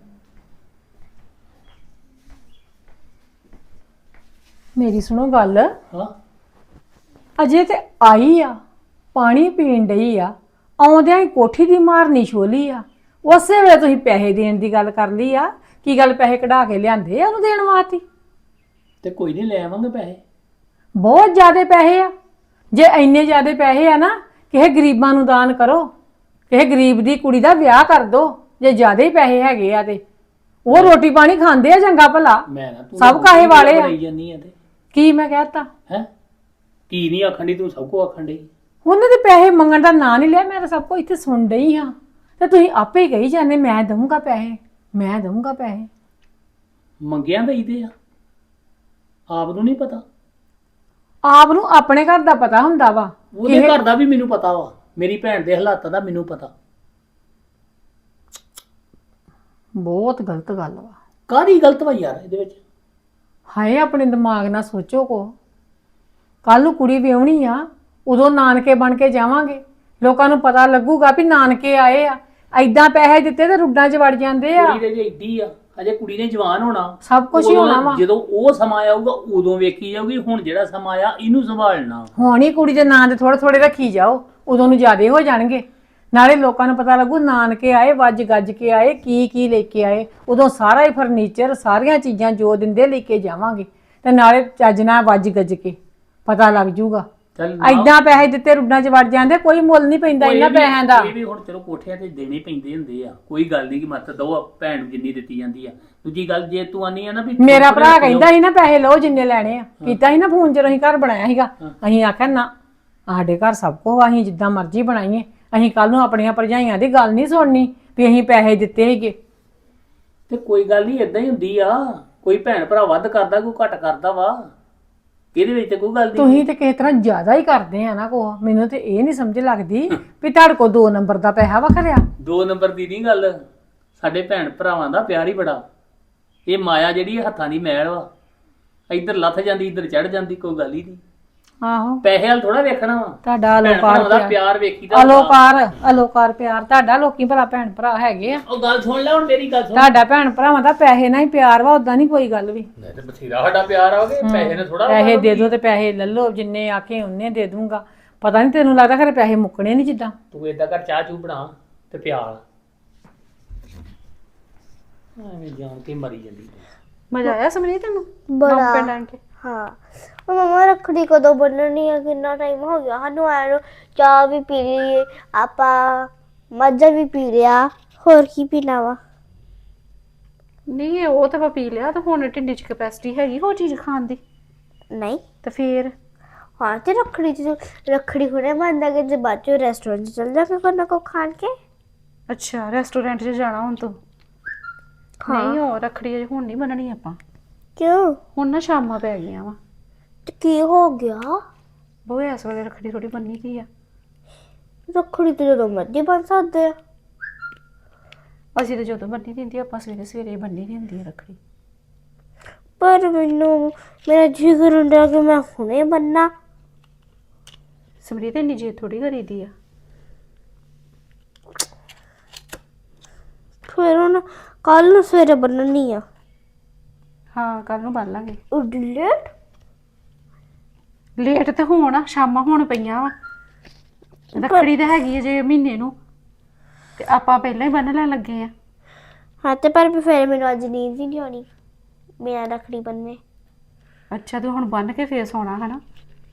ਮੇਰੀ ਸੁਣੋ ਗੱਲ,
ਹਾਂ
ਅਜੇ ਤੇ ਆਈ ਆ ਪਾਣੀ ਪੀਣ ਡਈ ਆ, ਆਉਂਦਿਆਂ ਹੀ ਕੋਠੀ ਦੀ ਮਾਰਨੀ ਛੋਲੀ ਆ, ਉਸੇ ਵੇਲੇ ਤੁਸੀਂ ਪੈਸੇ ਦੇਣ ਦੀ ਗੱਲ ਕਰ ਲਈ ਆ। ਕੀ ਗੱਲ ਪੈਸੇ ਕਢਾ ਕੇ ਲਿਆਂਦੇ ਆ ਉਹਨੂੰ ਦੇਣ ਵਾਸਤੇ?
ਤੇ ਕੋਈ ਨਹੀਂ ਲੈ ਆਵਾਂਗੇ ਪੈਸੇ।
ਬਹੁਤ ਜ਼ਿਆਦੇ ਪੈਸੇ ਆ। ਜੇ ਇੰਨੇ ਜ਼ਿਆਦੇ ਪੈਸੇ ਆ ਨਾ, ਕਿਸੇ ਗਰੀਬਾਂ ਨੂੰ ਦਾਨ ਕਰੋ, ਕਿਸੇ ਗਰੀਬ ਦੀ ਕੁੜੀ ਦਾ ਵਿਆਹ ਕਰ ਦੋ। ਜੇ ਜ਼ਿਆਦੇ ਹੀ ਪੈਸੇ ਹੈਗੇ ਆ ਤੇ ਉਹ ਰੋਟੀ ਪਾਣੀ ਖਾਂਦੇ ਆ ਚੰਗਾ ਭਲਾ,
ਮੈਂ ਨਾ ਤੂੰ
ਸਭ ਕਾਹੇ ਵਾਲੇ ਆ।
ਬਣਾਈ ਜਾਂਦੀ ਆ ਤੇ
ਕੀ ਮੈਂ ਕਹਿਤਾ?
ਹੈ ਕੀ ਨਹੀਂ ਆਖਣ ਡਈ ਤੂੰ ਸਭ ਕੁਝ ਆਖਣ ਡਈ।
ਉਹਨੇ ਤੇ ਪੈਸੇ ਮੰਗਣ ਦਾ ਨਾਂ ਨਹੀਂ ਲਿਆ। ਮੈਂ ਤਾਂ ਸਭ ਕੁਝ ਇੱਥੇ ਸੁਣ ਡਈ ਹਾਂ ਤੇ ਤੁਸੀਂ ਆਪੇ ਹੀ ਕਹੀ ਜਾਂਦੇ ਮੈਂ ਦਊਂਗਾ ਪੈਸੇ, ਮੈਂ ਦਊਂਗਾ ਪੈਸੇ।
ਮੰਗਿਆ ਦਈਦੇ ਆ, ਆਪ ਨੂੰ ਨਹੀਂ ਪਤਾ।
ਆਪ ਨੂੰ ਆਪਣੇ ਘਰ ਦਾ ਪਤਾ ਹੁੰਦਾ ਵਾ।
ਉਹਦੇ ਘਰ ਦਾ ਵੀ ਮੈਨੂੰ ਪਤਾ ਵਾ, ਮੇਰੀ ਭੈਣ ਦੇ ਹਾਲਾਤਾਂ ਦਾ ਮੈਨੂੰ ਪਤਾ।
ਬਹੁਤ ਗਲਤ ਗੱਲ ਵਾ।
ਕਾਹਦੀ ਗਲਤ ਵਾ ਯਾਰ ਇਹਦੇ ਵਿੱਚ?
ਹਾਏ ਆਪਣੇ ਦਿਮਾਗ ਨਾਲ ਸੋਚੋ ਕੋ। ਕੱਲ ਨੂੰ ਕੁੜੀ ਵਿਆਹਣੀ ਆ, ਉਦੋਂ ਨਾਨਕੇ ਬਣ ਕੇ ਜਾਵਾਂਗੇ, ਲੋਕਾਂ ਨੂੰ ਪਤਾ ਲੱਗੂਗਾ ਵੀ ਨਾਨਕੇ ਆਏ ਆ। ਐਦਾਂ ਪੈਸੇ ਦਿੱਤੇ ਤੇ ਰੁੱਡਾਂ 'ਚ ਵੜ ਜਾਂਦੇ ਆ।
ਕੁੜੀ ਦੇ ਜੇ ਏਡੀ ਆ, ਅਜੇ ਕੁੜੀ ਨੇ ਜਵਾਨ ਹੋਣਾ,
ਸਭ ਕੁਝ ਹੀ ਹੋਣਾ ਵਾ।
ਜਦੋਂ ਉਹ ਸਮਾਂ ਆਊਗਾ ਉਦੋਂ ਵੇਖੀ ਜਾਊਗੀ। ਹੁਣ ਜਿਹੜਾ ਸਮਾਂ ਆ ਇਹਨੂੰ ਸੰਭਾਲਣਾ।
ਹੁਣ ਹੀ ਕੁੜੀ ਦੇ ਨਾਂ ਦੇ ਥੋੜੇ ਥੋੜੇ ਰੱਖੀ ਜਾਓ, ਉਦੋਂ ਨੂੰ ਜ਼ਿਆਦੇ ਹੋ ਜਾਣਗੇ। ਨਾਲੇ ਲੋਕਾਂ ਨੂੰ ਪਤਾ ਲੱਗੂ ਨਾਨਕੇ ਆਏ, ਵੱਜ ਗੱਜ ਕੇ ਆਏ, ਕੀ ਲੈ ਕੇ ਆਏ। ਉਦੋਂ ਸਾਰਾ ਹੀ ਫਰਨੀਚਰ, ਸਾਰੀਆਂ ਚੀਜ਼ਾਂ ਜੋ ਦਿੰਦੇ ਲੈ ਕੇ ਜਾਵਾਂਗੇ ਤੇ ਨਾਲੇ ਚੱਜ ਨਾਲ ਵੱਜ ਗੱਜ ਕੇ ਪਤਾ ਲੱਗ ਜੂਗਾ।
ਚੱਲ
ਐਦਾਂ ਪੈਸੇ ਦਿੱਤੇ ਰੁੱਡਾਂ 'ਚ ਵੜ ਜਾਂਦੇ, ਕੋਈ ਮੁੱਲ ਨਹੀਂ ਪੈਂਦਾ ਇਹਨਾਂ ਪੈਸਿਆਂ ਦਾ।
ਇਹ ਵੀ ਹੁਣ ਚਲੋ ਕੋਠਿਆਂ ਤੇ ਦੇਣੇ ਪੈਂਦੇ ਹੁੰਦੇ ਆ, ਕੋਈ ਗੱਲ ਨਹੀਂ ਕਿ ਮਤ ਦੋ ਭੈਣ ਨੂੰ ਜਿੰਨੀ ਦਿੱਤੀ ਜਾਂਦੀ ਆ। ਦੂਜੀ ਗੱਲ ਜੇ ਤੂੰ ਆਨੀ ਆ ਨਾ ਵੀ
ਮੇਰਾ ਭਰਾ ਕਹਿੰਦਾ ਸੀ ਨਾ ਪੈਸੇ ਲਓ ਜਿੰਨੇ ਲੈਣੇ ਆ, ਕੀਤਾ ਸੀ ਨਾ ਫੋਨ ਜਦੋਂ ਅਸੀਂ ਘਰ ਬਣਾਇਆ ਸੀਗਾ। ਅਸੀਂ ਆਖਿਆ ਨਾ ਸਾਡੇ ਘਰ ਸਭ ਕੁਝ ਅਸੀਂ ਜਿੱਦਾਂ ਮਰਜ਼ੀ ਬਣਾਈਏ, ਅਸੀਂ ਕੱਲ ਨੂੰ ਆਪਣੀਆਂ ਭਰਜਾਈਆਂ ਦੀ ਗੱਲ ਨਹੀਂ ਸੁਣਨੀ ਵੀ ਅਸੀਂ ਪੈਸੇ ਦਿੱਤੇ ਸੀਗੇ।
ਤੇ ਕੋਈ ਗੱਲ ਨਹੀਂ, ਇਦਾਂ ਹੀ ਹੁੰਦੀ ਆ। ਕੋਈ ਭੈਣ ਭਰਾ ਵੱਧ ਕਰਦਾ, ਕੋਈ ਘੱਟ ਕਰਦਾ ਵਾ, ਇਹਦੇ ਵਿੱਚ ਤੇ ਕੋਈ ਗੱਲ ਨਹੀਂ।
ਤੁਸੀਂ ਤੇ ਕਿਸੇ ਤਰ੍ਹਾਂ ਜ਼ਿਆਦਾ ਹੀ ਕਰਦੇ ਆ ਨਾ ਕੋ। ਮੈਨੂੰ ਤੇ ਇਹ ਨਹੀਂ ਸਮਝ ਲੱਗਦੀ ਵੀ ਤੁਹਾਡੇ ਕੋਲ 2 ਨੰਬਰ ਦਾ ਪੈਸਾ ਵਖਰਿਆ।
2 ਨੰਬਰ ਦੀ ਨਹੀਂ ਗੱਲ, ਸਾਡੇ ਭੈਣ ਭਰਾਵਾਂ ਦਾ ਪਿਆਰ ਹੀ ਬੜਾ। ਇਹ ਮਾਇਆ ਜਿਹੜੀ ਹੱਥਾਂ ਦੀ ਮੈਲ ਵਾ, ਇੱਧਰ ਲੱਥ ਜਾਂਦੀ ਇੱਧਰ ਚੜ ਜਾਂਦੀ, ਕੋਈ ਗੱਲ ਹੀ ਨਹੀਂ।
ਆਹੋ
ਪੈਸੇ ਵਾਲ ਥੋੜਾ ਵੇਖਣਾ ਵਾ,
ਤੁਹਾਡਾ
ਭੈਣ
ਅਲੋਕਾਰ
ਭਰਾਵਾਂ ਦਾ
ਪਿਆਰ,
ਪਿਆਰ ਵੇਖੀਦਾ।
ਅਲੋਕਾਰ ਪਿਆਰ ਤੁਹਾਡਾ। ਲੋਕੀ ਭਲਾ ਭੈਣ ਭਰਾ ਹੈਗੇ ਆ।
ਉਹ ਗੱਲ ਸੁਣ ਲੈ ਹੁਣ, ਮੇਰੀ ਗੱਲ ਸੁਣ।
ਤੁਹਾਡਾ ਭੈਣ ਭਰਾਵਾਂ ਦਾ ਪੈਸੇ ਨਾਲ ਹੀ ਪਿਆਰ ਵਾ, ਉਦਾਂ ਨਹੀਂ ਕੋਈ ਗੱਲ ਵੀ।
ਨਹੀਂ ਤੇ ਬਥੇਰਾ ਸਾਡਾ ਪਿਆਰ ਆਵੇ, ਪੈਸੇ ਨੇ ਥੋੜਾ।
ਪੈਸੇ ਦੇ ਦੋ ਤੇ ਪੈਸੇ ਲੈ ਲਓ, ਜਿੰਨੇ ਆਖੇ ਉਹਨੇ ਦੇ ਦੂੰਗਾ। ਪਤਾ ਨਹੀਂ ਤੈਨੂੰ ਲੱਗਦਾ ਖਰੇ ਪੈਸੇ ਮੁੱਕਣੇ ਨਹੀਂ ਜਿੱਦਾਂ।
ਤੂੰ ਏਦਾਂ ਕਰ, ਚਾਹ ਚੂ ਬਣਾ ਤੇ ਪਿਆਲ। ਐਵੇਂ ਜਾਣ ਕੇ ਮਰੀ ਜਾਂਦੀ।
ਮਜ਼ਾ ਆਇਆ ਸਮਰੀਤ ਤੈਨੂੰ
ਬੜਾ।
ਮਾਮੂ ਪਿੰਡ ਆਣ ਕੇ?
ਹਾਂ ਉਹ ਮਮਾ ਰੱਖੜੀ ਕਦੋਂ ਬੰਨਣੀ ਆ? ਕਿੰਨਾ ਟਾਈਮ ਹੋ ਗਿਆ ਸਾਨੂੰ ਆਏ ਨੂੰ। ਚਾਹ ਵੀ ਪੀ ਲਈ ਆਪਾਂ, ਮੱਝਾ ਵੀ ਪੀ ਲਿਆ, ਹੋਰ ਕੀ ਪੀਣਾ ਵਾ?
ਨਹੀਂ ਉਹ ਤਾਂ ਆਪਾਂ ਪੀ ਲਿਆ, ਤਾਂ ਹੁਣ ਢਿੱਡੀ 'ਚ ਕੈਪੈਸਿਟੀ ਹੈਗੀ ਹੋਰ ਚੀਜ਼ ਖਾਣ ਦੀ।
ਨਹੀਂ
ਤੇ ਫੇਰ
ਹਾਂ ਤੇ ਰੱਖੜੀ ਹੁਣੇ ਬੰਦਾ ਕਿ ਜੇ ਬਾਅਦ ਚੋਂ ਰੈਸਟੋਰੈਂਟ 'ਚ ਚੱਲ ਜਾਵਾਂਗੇ ਕੋਈ ਨਾ ਕੋਈ ਖਾਣ ਕੇ।
ਅੱਛਾ ਰੈਸਟੋਰੈਂਟ 'ਚ ਜਾਣਾ ਹੁਣ ਤੂੰ? ਨਹੀਂ ਉਹ ਰੱਖੜੀ ਅਜੇ ਹੁਣ ਨਹੀਂ ਬੰਨਣੀ ਆਪਾਂ।
ਕਿਉਂ?
ਹੁਣ ਨਾ ਸ਼ਾਮਾਂ ਪੈ ਗਈਆਂ ਵਾ।
ਤੇ ਕੀ ਹੋ ਗਿਆ?
ਬੋਏ ਇਸ ਵੇਲੇ ਰੱਖੜੀ ਥੋੜੀ ਬੰਨੀ ਕੀ ਆ।
ਰੱਖੜੀ ਤੇ ਜਦੋਂ ਮਰਜ਼ੀ ਬੰਨ ਸਕਦੇ ਆ।
ਅਸੀਂ ਤਾਂ ਜਦੋਂ ਬੰਨੀ ਦਿੰਦੀ ਆਪਾਂ ਸਵੇਰੇ ਸਵੇਰੇ ਬੰਨੀ ਦੀ ਹੁੰਦੀ ਆ ਰੱਖੜੀ।
ਪਰ ਮੈਨੂੰ ਮੇਰਾ ਜੀ ਕਰਨ ਡਿਆ ਕਿ ਮੈਂ ਹੁਣੇ ਬੰਨਾ।
ਸਮਰੀਤ ਇੰਨੀ ਜੇ ਥੋੜੀ ਕਰੀਦੀ ਆ।
ਫਿਰ ਹੁਣ ਕੱਲ ਨੂੰ ਸਵੇਰੇ ਬੰਨਣੀ ਆ।
ਹਾਂ ਕੱਲ ਨੂੰ ਬੰਨ ਲਾਂਗੇ।
ਲੇਟ
ਲੇਟ ਤੇ ਹੋਣ ਸ਼ਾਮਾਂ ਹੋਣ ਪਈਆਂ ਵਾ। ਰੱਖੜੀ ਤਾਂ ਹੈਗੀ ਹੈ ਜੇ ਮਹੀਨੇ ਨੂੰ, ਤੇ ਆਪਾਂ ਪਹਿਲਾਂ ਹੀ ਬੰਨ ਲੈਣ ਲੱਗੇ ਆ।
ਹਾਂ ਤੇ ਪਰ ਫਿਰ ਮੈਨੂੰ ਅੱਜ ਨੀਂਦ ਹੀ ਨਹੀਂ ਆਉਣੀ ਬਿਨਾਂ ਰੱਖੜੀ ਬੰਨੇ।
ਅੱਛਾ ਤੂੰ ਹੁਣ ਬੰਨ ਕੇ ਫੇਰ ਸੌਣਾ ਹੈ ਨਾ?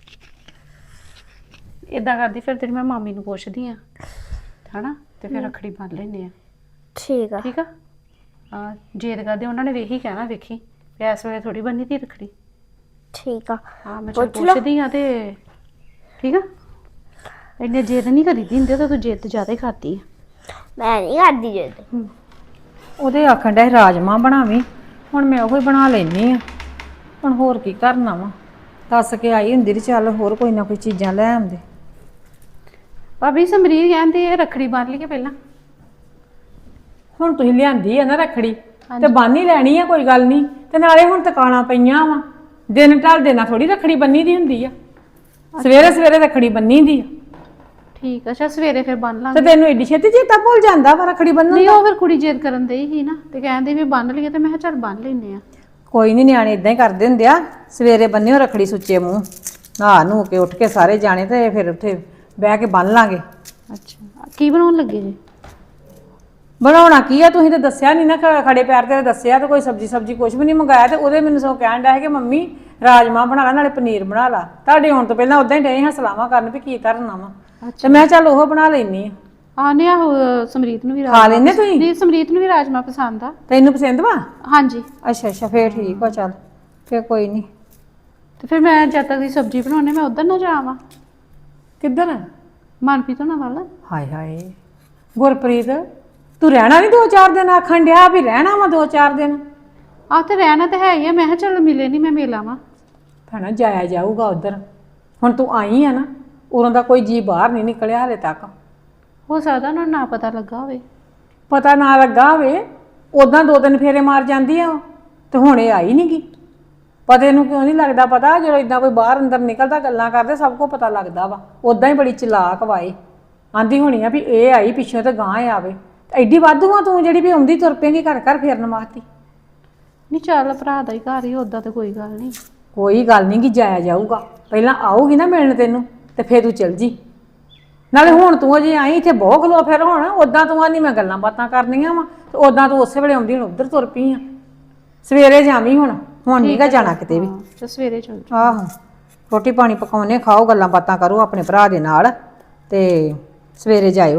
ਇਦਾਂ ਕਰਦੀ ਫਿਰ ਤੇਰੀ ਮੈਂ ਮਾਮੀ ਨੂੰ ਪੁੱਛਦੀ ਆ ਹਨਾ, ਤੇ ਫਿਰ ਰੱਖੜੀ ਬੰਨ ਲੈਨੇ ਆ।
ਠੀਕ ਆ।
ਠੀਕ ਆ। ਹਾਂ ਜੇਦ ਕਰਦੇ ਉਹਨਾਂ ਨੇ ਵੇਹੀ ਕਹਿਣਾ, ਵੇਖੀ ਇਸ ਵੇਲੇ ਥੋੜੀ ਬੰਨੀ ਤੀ ਰੱਖੜੀ।
ਠੀਕ ਆ।
ਹਾਂ ਮੈਂ ਚੱਲ ਪੁੱਛਦੀ ਆ ਤੇ ਠੀਕ ਆ। ਇੰਨੇ ਜੇਦ ਨਹੀਂ ਕਰੀਦੀ ਹੁੰਦੀ, ਤਾਂ ਤੂੰ ਜੇਦ ਜ਼ਿਆਦਾ ਹੀ ਕਰਦੀ ਆ।
ਮੈਂ ਨਹੀਂ ਕਰਦੀ ਜੇ।
ਉਹਦੇ ਆਖਣ ਡਿਆ ਰਾਜਮਾਂਹ ਬਣਾਵੀਂ, ਹੁਣ ਮੈਂ ਉਹੀ ਬਣਾ ਲੈਣੀ ਆ। ਹੁਣ ਹੋਰ ਕੀ ਕਰਨਾ ਵਾ? ਦੱਸ ਕੇ ਆਈ ਹੁੰਦੀ ਤੇ ਚੱਲ ਹੋਰ ਕੋਈ ਨਾ ਕੋਈ ਚੀਜ਼ਾਂ ਲੈ ਆਉਂਦੇ।
ਭਾਬੀ ਸਮਰੀਤ ਕਹਿੰਦੇ ਰੱਖੜੀ ਬੰਨ ਲਈਏ ਪਹਿਲਾਂ।
ਹੁਣ ਤੁਸੀਂ ਲਿਆਂਦੀ ਆ ਨਾ ਰੱਖੜੀ, ਤੇ ਬੰਨ ਹੀ ਲੈਣੀ ਆ, ਕੋਈ ਗੱਲ ਨਹੀਂ। ਤੇ ਨਾਲੇ ਹੁਣ ਤਕਾਣਾ ਪਈਆਂ ਵਾ, ਦਿਨ ਢਲਦੇ ਨਾਲ ਥੋੜੀ ਰੱਖੜੀ ਬੰਨੀ ਦੀ ਹੁੰਦੀ ਆ, ਸਵੇਰੇ ਸਵੇਰੇ ਰੱਖੜੀ ਬੰਨੀ ਦੀ ਆ।
ਠੀਕ ਆ, ਅੱਛਾ ਸਵੇਰੇ ਫਿਰ ਬੰਨ
ਤੇ
ਲਾਂਗੇ।
ਤੈਨੂੰ ਏਡੀ ਛੇਤੀ ਚੇਤਾ ਭੁੱਲ ਜਾਂਦਾ ਵਾ ਰੱਖੜੀ ਬੰਨਣ
ਨਹੀਂ
ਦਾ?
ਉਹ ਫਿਰ ਕੁੜੀ ਜਿੱਦ ਕਰਨ ਦਈ ਸੀ ਨਾ, ਤੇ ਕਹਿੰਦੀ ਵੀ ਬੰਨ ਲਈਏ, ਤੇ ਮੈਂ ਕਿਹਾ ਚੱਲ ਬੰਨ ਲੈਨੇ ਆ।
ਕੋਈ ਨਹੀਂ, ਨਿਆਣੇ ਇਦਾਂ ਹੀ ਕਰਦੇ ਹੁੰਦੇ ਆ। ਸਵੇਰੇ ਬੰਨਿਓ ਰੱਖੜੀ ਸੁੱਚੇ ਮੂੰਹ, ਨਹਾ ਨੂ ਕੇ ਉੱਠ ਕੇ ਸਾਰੇ ਜਾਣੇ, ਤੇ ਫਿਰ ਉੱਥੇ ਬਹਿ ਕੇ ਬੰਨ ਲਾਂਗੇ।
ਅੱਛਾ ਕੀ ਬਣਾਉਣ ਲੱਗੇ ਜੀ?
ਬਣਾਉਣਾ ਕੀ ਆ, ਤੁਸੀਂ ਤਾਂ ਦੱਸਿਆ ਨਹੀਂ ਨਾ, ਖੜੇ ਪੈਰ ਤੇ ਦੱਸਿਆ, ਤੇ ਕੋਈ ਸਬਜੀ ਕੁਝ ਵੀ ਨਹੀਂ ਮੰਗਾਇਆ। ਤੇ ਉਹਦੇ ਮੈਨੂੰ ਸੋ ਕਹਿਣ ਡਿਆ ਸੀ ਕਿ ਮੰਮੀ ਰਾਜਮਾਂਹ ਬਣਾ ਲਾ, ਨਾਲੇ ਪਨੀਰ ਬਣਾ ਲਾ। ਤੁਹਾਡੇ ਆਉਣ ਤੋਂ ਪਹਿਲਾਂ ਉਦਾਂ ਹੀ ਡਏ ਹਾਂ ਸਲਾਹਾਂ ਕਰਨ ਵੀ ਕੀ ਕਰਨਾ ਵਾ, ਤੇ ਮੈਂ ਚੱਲ ਉਹ ਬਣਾ ਲੈਣੀ ਆ।
ਆਨੇ ਆਹੋ, ਸਮਰੀਤ ਨੂੰ ਵੀ
ਖਾ ਲੈਂਦੇ ਤੁਸੀਂ?
ਨਹੀਂ ਸਮਰੀਤ ਨੂੰ ਵੀ ਰਾਜਮਾ ਪਸੰਦ ਆ।
ਤੈਨੂੰ ਪਸੰਦ ਵਾ?
ਹਾਂਜੀ।
ਅੱਛਾ ਅੱਛਾ, ਫੇਰ ਠੀਕ ਆ, ਚੱਲ ਫੇਰ ਕੋਈ ਨਹੀਂ।
ਤੇ ਫਿਰ ਮੈਂ ਜਦ ਤੱਕ ਦੀ ਸਬਜ਼ੀ ਬਣਾਉਣੀ, ਮੈਂ ਉਧਰ ਨਾ ਜਾਵਾਂ।
ਕਿੱਧਰ?
ਮਨਪ੍ਰੀਤ ਹੋਣਾ ਵੱਲ।
ਹਾਏ ਹਾਏ ਗੁਰਪ੍ਰੀਤ, ਤੂੰ ਰਹਿਣਾ ਨਹੀਂ 2-4 ਦਿਨ? ਆਖਣ ਡਿਆ ਵੀ ਰਹਿਣਾ ਵਾ 2-4 ਦਿਨ।
ਆਹ ਤੇ ਰਹਿਣਾ ਤੇ ਹੈ ਹੀ ਆ, ਮੈਂ ਕਿਹਾ ਚੱਲ ਮਿਲੇ ਨਹੀਂ, ਮੈਂ ਮਿਲ ਆਵਾਂ।
ਭੈਣਾ ਜਾਇਆ ਜਾਊਗਾ ਉਧਰ, ਹੁਣ ਤੂੰ ਆਈ ਆ ਨਾ, ਉਦੋਂ ਦਾ ਕੋਈ ਜੀ ਬਾਹਰ ਨਹੀਂ ਨਿਕਲਿਆ ਹਲੇ ਤੱਕ।
ਹੋ ਸਕਦਾ ਉਹਨਾਂ ਨੂੰ ਨਾ ਪਤਾ ਲੱਗਾ ਹੋਵੇ।
ਪਤਾ ਨਾ ਲੱਗਾ ਹੋਵੇ, ਉਦਾਂ 2-3 ਫੇਰੇ ਮਾਰ ਜਾਂਦੀ ਆ ਉਹ, ਤੇ ਹੁਣ ਇਹ ਆਈ ਨਹੀਂ ਗੀ। ਪਤੇ ਨੂੰ ਕਿਉਂ ਨਹੀਂ ਲੱਗਦਾ ਪਤਾ? ਜਦੋਂ ਇਦਾਂ ਕੋਈ ਬਾਹਰ ਅੰਦਰ ਨਿਕਲਦਾ ਗੱਲਾਂ ਕਰਦੇ, ਸਭ ਕੁਝ ਪਤਾ ਲੱਗਦਾ ਵਾ। ਉਦਾਂ ਹੀ ਬੜੀ ਚਲਾਕ ਵਾਏ, ਆਂਦੀ ਹੋਣੀ ਆ ਵੀ ਇਹ ਆਈ ਪਿੱਛੋਂ ਤੇ ਗਾਂ ਆਵੇ। ਐਡੀ ਵਾਧੂ ਆ ਤੂੰ ਜਿਹੜੀ ਵੀ ਆਉਂਦੀ ਤੁਰ ਪਏਗੀ ਘਰ ਘਰ ਫੇਰਨ ਵਾਸਤੇ।
ਨਹੀਂ ਚੱਲ ਭਰਾ ਦਾ ਹੀ ਘਰ ਹੀ, ਉਦਾਂ ਤੇ ਕੋਈ ਗੱਲ ਨਹੀਂ।
ਕੋਈ ਗੱਲ ਨਹੀਂ ਕਿ ਜਾਇਆ ਜਾਊਗਾ, ਪਹਿਲਾਂ ਆਊਗੀ ਨਾ ਮਿਲਣ ਤੈਨੂੰ, ਤੇ ਫੇਰ ਤੂੰ ਚਲ ਜੀ। ਨਾਲੇ ਹੁਣ ਤੂੰ ਅਜੇ ਆਈ ਇੱਥੇ ਬਹੁਤ ਖਲੋ, ਫਿਰ ਹੁਣ ਉਦਾਂ ਤੂੰ ਆਨੀ ਮੈਂ ਗੱਲਾਂ ਬਾਤਾਂ ਕਰਨੀਆਂ ਵਾ, ਤੇ ਉਦਾਂ ਤੂੰ ਉਸੇ ਵੇਲੇ ਆਉਂਦੀ ਹੁਣ ਉੱਧਰ ਤੁਰ ਪਈ ਆ। ਸਵੇਰੇ ਜਾਵੀਂ ਹੁਣ ਨਹੀਂ ਗਾ ਜਾਣਾ ਕਿਤੇ ਵੀ।
ਤੇ ਸਵੇਰੇ ਚੱਲ ਜਾ।
ਆਹੋ, ਰੋਟੀ ਪਾਣੀ ਪਕਾਉਣੇ, ਖਾਓ, ਗੱਲਾਂ ਬਾਤਾਂ ਕਰੋ ਆਪਣੇ ਭਰਾ ਦੇ ਨਾਲ, ਤੇ ਸਵੇਰੇ ਜਾਇਓ।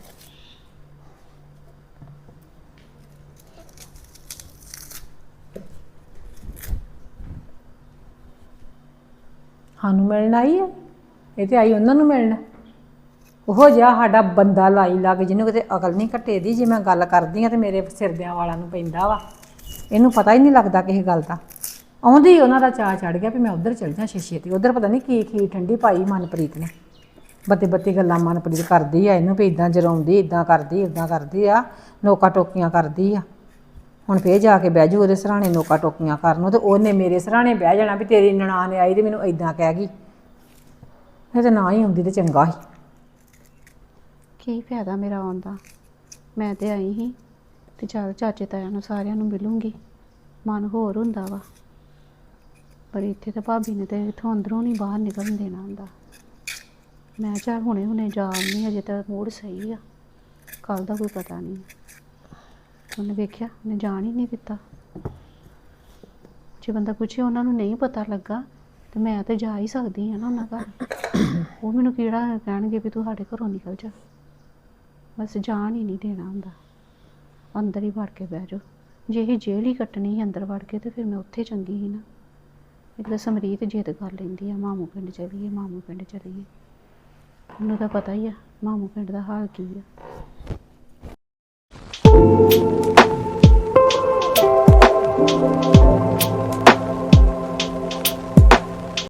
ਸਾਨੂੰ ਮਿਲਣ ਆਈ ਹੈ, ਇਹ ਤੇ ਆਈ ਉਹਨਾਂ ਨੂੰ ਮਿਲਣ। ਉਹ ਜਿਹਾ ਸਾਡਾ ਬੰਦਾ ਲਾਈ ਲੱਗ, ਜਿਹਨੂੰ ਕਿਤੇ ਅਕਲ ਨਹੀਂ ਘੱਟੇ ਦੀ। ਜੇ ਮੈਂ ਗੱਲ ਕਰਦੀ ਆ ਤੇ ਮੇਰੇ ਸਿਰਦਿਆਂ ਵਾਲਾਂ ਨੂੰ ਪੈਂਦਾ ਵਾ, ਇਹਨੂੰ ਪਤਾ ਹੀ ਨਹੀਂ ਲੱਗਦਾ ਕਿਸੇ ਗੱਲ ਦਾ। ਆਉਂਦੀ ਉਹਨਾਂ ਦਾ ਚਾਅ ਚੜ ਗਿਆ ਵੀ ਮੈਂ ਉੱਧਰ ਚਲ ਜਾ ਛੇਤੀ। ਉੱਧਰ ਪਤਾ ਨਹੀਂ ਕੀ ਖੀਰ ਠੰਡੀ ਪਾਈ ਮਨਪ੍ਰੀਤ ਨੇ, ਬੱਤੀ ਗੱਲਾਂ ਮਨਪ੍ਰੀਤ ਕਰਦੀ ਆ ਇਹਨੂੰ ਵੀ ਇਦਾਂ ਜਰਾਉਂਦੀ, ਇਦਾਂ ਕਰਦੀ, ਇਦਾਂ ਕਰਦੀ ਆ, ਨੋਕਾ ਟੋਕੀਆਂ ਕਰਦੀ ਆ। ਹੁਣ ਫੇਰ ਜਾ ਕੇ ਬਹਿ ਜੂ ਉਹਦੇ ਸਰਾਣੇ ਨੋਕਾ ਟੋਕੀਆਂ ਕਰਨ ਨੂੰ, ਤੇ ਉਹਨੇ ਮੇਰੇ ਸਰਾਣੇ ਬਹਿ ਜਾਣਾ ਵੀ ਤੇਰੀ ਨਨਾਣ ਆਈ ਤੇ ਮੈਨੂੰ ਇਦਾਂ ਕਹਿ ਗਈ। ਇਹ ਤੇ ਨਾ ਹੀ ਹੁੰਦੀ ਤੇ ਚੰਗਾ ਸੀ।
ਕੀ ਫਾਇਦਾ ਮੇਰਾ ਆਉਣ ਦਾ? ਮੈਂ ਤੇ ਆਈ ਸੀ ਤੇ ਚੱਲ ਚਾਚੇ ਤਾਇਆਂ ਨੂੰ ਸਾਰਿਆਂ ਨੂੰ ਮਿਲੂੰਗੀ, ਮਨ ਹੋਰ ਹੁੰਦਾ ਵਾ। ਪਰ ਇੱਥੇ ਤਾਂ ਭਾਬੀ ਨੇ ਤੇ ਇੱਥੋਂ ਅੰਦਰੋਂ ਨਹੀਂ ਬਾਹਰ ਨਿਕਲਣ ਦੇਣਾ ਹੁੰਦਾ। ਮੈਂ ਚੱਲ ਹੁਣੇ ਜਾ ਆਉਂਦੀ, ਅਜੇ ਤਾਂ ਮੂਡ ਸਹੀ ਆ, ਕੱਲ ਦਾ ਕੋਈ ਪਤਾ ਨਹੀਂ। ਉਹਨੇ ਵੇਖਿਆ, ਉਹਨੇ ਜਾਣ ਹੀ ਨਹੀਂ ਦਿੱਤਾ। ਜੇ ਬੰਦਾ ਪੁੱਛੇ ਉਹਨਾਂ ਨੂੰ ਨਹੀਂ ਪਤਾ ਲੱਗਾ, ਤੇ ਮੈਂ ਤੇ ਜਾ ਹੀ ਸਕਦੀ ਹਾਂ ਨਾ ਉਹਨਾਂ ਘਰ। ਉਹ ਮੈਨੂੰ ਕਿਹੜਾ ਕਹਿਣਗੇ ਵੀ ਤੂੰ ਸਾਡੇ ਘਰੋਂ ਨਿਕਲ ਜਾ। ਬਸ ਜਾਣ ਹੀ ਨਹੀਂ ਦੇਣਾ ਹੁੰਦਾ, ਅੰਦਰ ਹੀ ਵੜ ਕੇ ਬਹਿ ਜਾਓ। ਜੇ ਇਹ ਜੇਲ੍ਹ ਹੀ ਕੱਟਣੀ ਸੀ ਅੰਦਰ ਵੜ ਕੇ, ਤੇ ਫਿਰ ਮੈਂ ਉੱਥੇ ਚੰਗੀ ਸੀ ਨਾ। ਇੱਕ ਤਾਂ ਸਮਰੀਤ ਜਿੱਦ ਕਰ ਲੈਂਦੀ ਆ, ਮਾਮੂ ਪਿੰਡ ਚਲੀਏ, ਮਾਮੂ ਪਿੰਡ ਚਲੀਏ। ਮੈਨੂੰ ਤਾਂ ਪਤਾ ਹੀ ਆ ਮਾਮੂ ਪਿੰਡ ਦਾ ਹਾਲ ਕੀ ਆ।